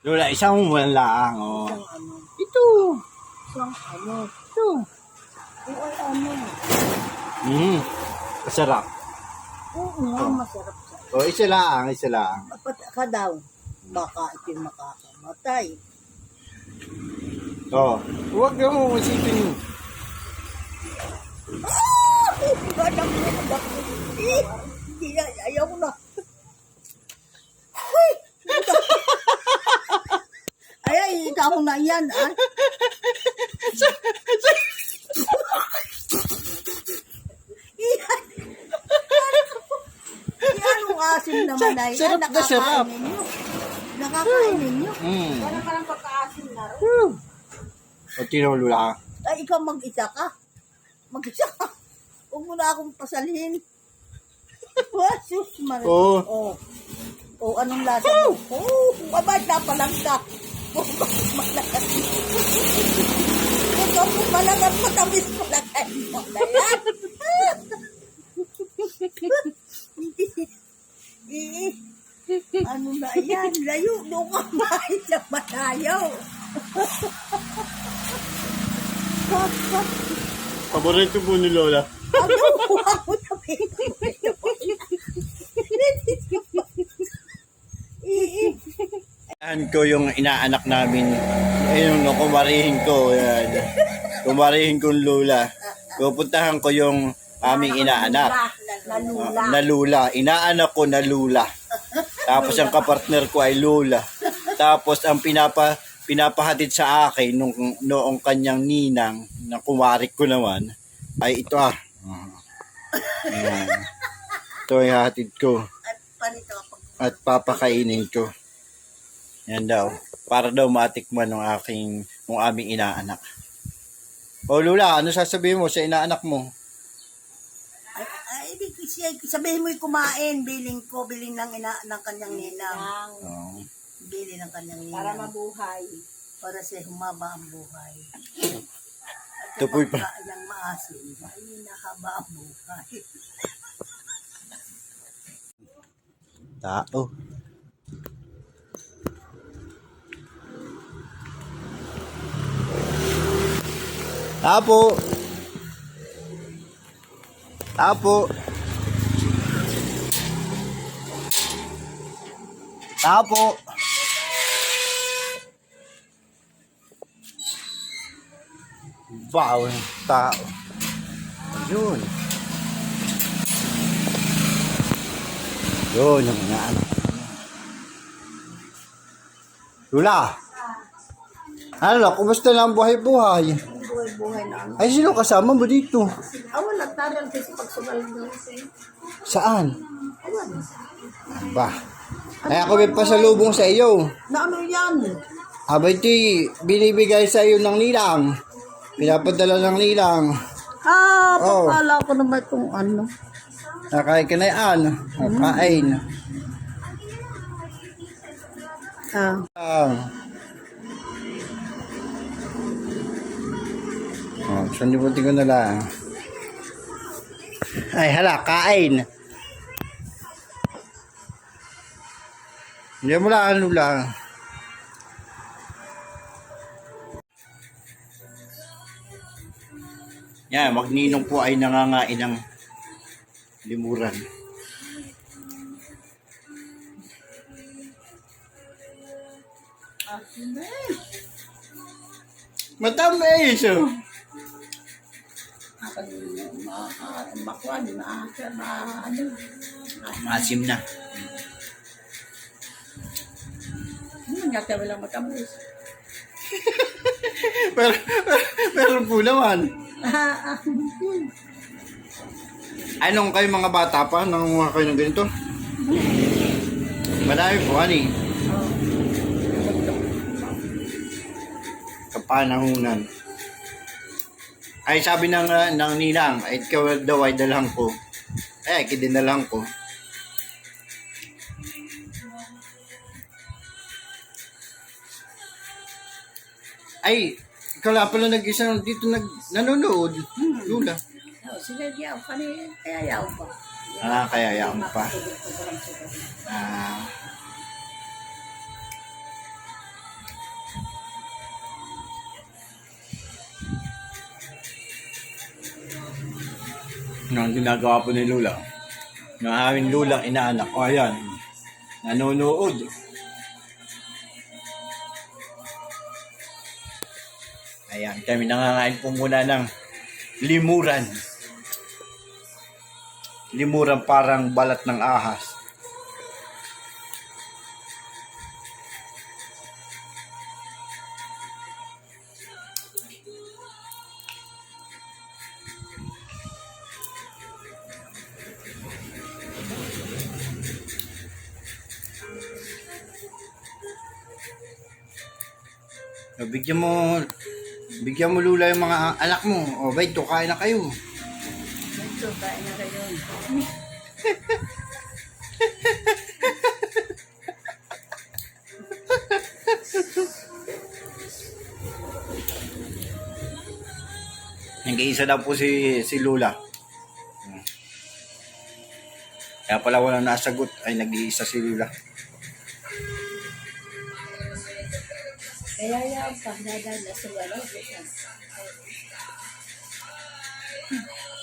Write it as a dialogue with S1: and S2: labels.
S1: Lola, isang wala oh.
S2: Isang ano.
S1: Ito.
S2: Isang ano.
S1: Ito.
S2: Oo, ay ano.
S1: Masarap.
S2: Oo nga, masarap siya.
S1: Oh, isa lang, isa lang.
S2: Dapat ka daw. Baka ito'y makakamatay.
S1: Oh, huwag ka mo masipin.
S2: Badak mo, badak mo. Hindi na, ayaw na. Huy! Ay, ikaw na yan, ah. Yan. Yan ang asim naman na yan.
S1: Sarap na sarap.
S2: Nakakain ninyo.
S3: Parang pagkaasim na rin.
S1: O, tino Lola.
S2: Ay, ikaw mag-isa ka. Mag-isa ka. Huwag mo na akong pasalhin. Wasus, man.
S1: Oo.
S2: Oh. Oh, anong lasa mo? Oh, babay na palang ka. Oh, malakas. Ito po malakas, matamis malakas mo na yan. Ano na yan? Layo, doon ka mahit sa matayaw.
S1: Paborito po ni Lola.
S2: Ako na
S1: Yan ko yung inaanak namin. Ayun, no, kumarihin ko. Yan. Kumarihin kong Lola. Pupuntahan ko yung aming inaanak. Na Lula. Inaanak ko na Lula. Tapos ang kapartner ko ay Lola. Tapos ang pinapahatid sa akin noong kanyang ninang na kumarik ko naman ay ito ah. Ayan. Ito ay hatid ko. At papakainin ko. Yan daw. Para daw matikman ng aming inaanak. O Lula, ano sasabihin mo sa inaanak mo?
S2: Ay, sabihin mo'y kumain, biling ng kanyang ninang.
S1: Oh.
S2: Bili ng kanyang ninang.
S3: Para mabuhay.
S2: Para sa humaba ang buhay.
S1: Ito po'y pa.
S2: Ang maasim, ay nahaba ang buhay.
S1: Tao. Tapo. Tapo. Tapo. Wow, tao. Ayun. Yun, yung mga ano. Lula. Ano, kumusta na ang buhay-buhay?
S2: Buhay na ano.
S1: Ay, sino kasama mo dito?
S2: Wala, taral kasi pagsugal doon.
S1: Saan? Ba? Ay, ako may pasalubong sa iyo.
S2: Na ano yan?
S1: Abay, iti, binibigay sa iyo ng nilang. Pinapadala ng nilang. Oh.
S2: Pakala ko naman itong ano.
S1: Nakain ka na yan. Nakain. Oh, saan libutin ko na lang. Ay, hala, kain. Hindi mo lang, ano lang. Yan, magninong po ay nangangain ng limuran. Matamis! Maasim na.
S3: Nga tayo lang matamis.
S1: pero po naman. Anong kayo mga bata pa? Nangunguha kayo ng ganito? Marami po, ani. Kapanahunan. Ay, sabi ng ninang, ay ikaw daw ay dalang ko. Ay, kidinalang ko. Ay, ikaw lang pala nag-isa dito nanonood. Lula.
S3: Sige, yaw. Kaya yaw pa.
S1: Kaya yaw pa. Ang ginagawa po ni Lula. Ng aming lulang inaanak. O ayan. Nanonood. Ayan. Kami nangangain po muna ng limuran. Limuran parang balat ng ahas. Bigyan mo Lula yung mga anak mo. O, ba ito, kain na kayo.
S3: Ito, kain na kayo.
S1: Nag-iisa na po si Lula. Kaya pala walang nasagot ay nag-iisa si Lula.
S3: Kaya yaw pa, nadala sa wala.